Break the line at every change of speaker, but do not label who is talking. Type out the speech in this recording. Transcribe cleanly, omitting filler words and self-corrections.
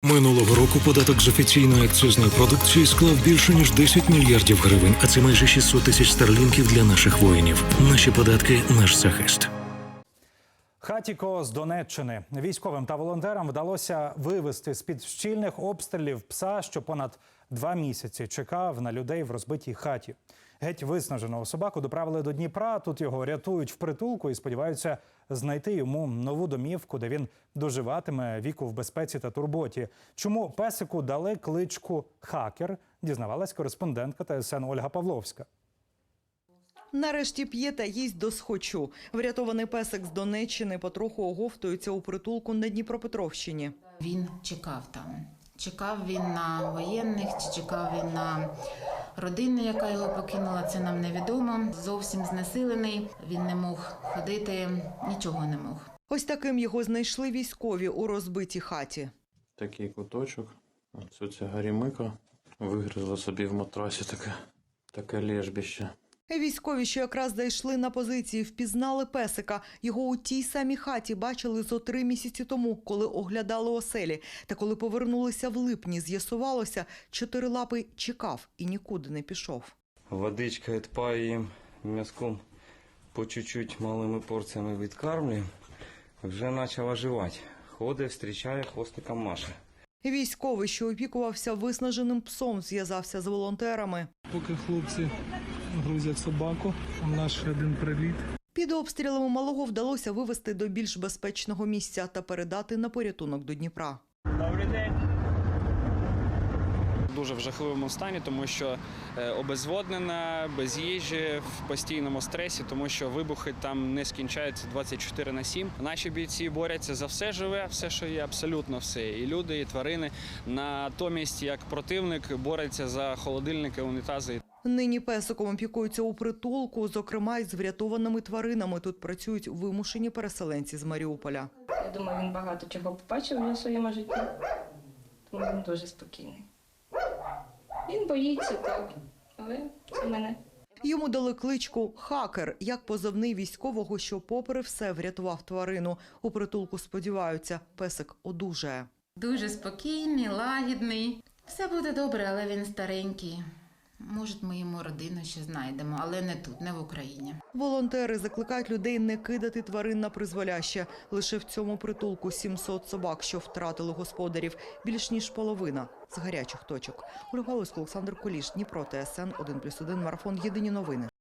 Минулого року податок з офіційної акцизної продукції склав більше, ніж 10 мільярдів гривень, а це майже 600 тисяч старлінків для наших воїнів. Наші податки – наш захист.
Хатіко з Донеччини. Військовим та волонтерам вдалося вивезти з-під щільних обстрілів пса, що понад 2 місяці чекав на людей в розбитій хаті. Геть виснаженого собаку доправили до Дніпра, тут його рятують в притулку і сподіваються знайти йому нову домівку, де він доживатиме віку в безпеці та турботі. Чому песику дали кличку «Хакер», дізнавалась кореспондентка ТСН Ольга Павловська.
Нарешті п'є та їсть досхочу. Врятований песик з Донеччини потроху оговтується у притулку на Дніпропетровщині.
Він чекав там. Чекав він на воєнних, чи чекав він на родину, яка його покинула, це нам невідомо. Зовсім знесилений, він не мог ходити, нічого не мог.
Ось таким його знайшли військові у розбитій хаті.
Такий куточок, оце гарімика, вигризла собі в матрасі таке лежбище.
Військові, що якраз зайшли на позиції, впізнали песика. Його у тій самій хаті бачили зо 3 місяці тому, коли оглядали оселі. Та коли повернулися в липні, з'ясувалося, чотирилапий чекав і нікуди не пішов.
Водичка відпає їм, м'язком по чуть-чуть малими порціями відкармлює. Вже почав оживати. Ходить, зустрічає, хвостиком маше.
Військовий, що опікувався виснаженим псом, зв'язався з волонтерами.
Поки хлопці грузять собаку, у нас ще один приліт.
Під обстрілами малого вдалося вивезти до більш безпечного місця та передати на порятунок до Дніпра.
Добрий день.
Дуже в жахливому стані, тому що обезводнена, без їжі, в постійному стресі, тому що вибухи там не скінчаються 24/7. Наші бійці борються за все живе, все, що є, абсолютно все. І люди, і тварини. Натомість, як противник, бореться за холодильники, унітази.
Нині песиком опікуються у притулку, зокрема й з врятованими тваринами. Тут працюють вимушені переселенці з Маріуполя.
Я думаю, він багато чого побачив в своєму житті, тому він дуже спокійний. Він боїться, так, але це мене.
Йому дали кличку «Хакер», як позивний військового, що попри все врятував тварину. У притулку сподіваються, песик одужає.
Дуже спокійний, лагідний. Все буде добре, але він старенький. Може, ми йому родину ще знайдемо, але не тут, не в Україні.
Волонтери закликають людей не кидати тварин на призволяще. Лише в цьому притулку 700 собак, що втратили господарів. Більш ніж половина з гарячих точок. Ольга Павловська, Олександр Куліш, Дніпро, ТСН 1+1, Марафон. Єдині новини.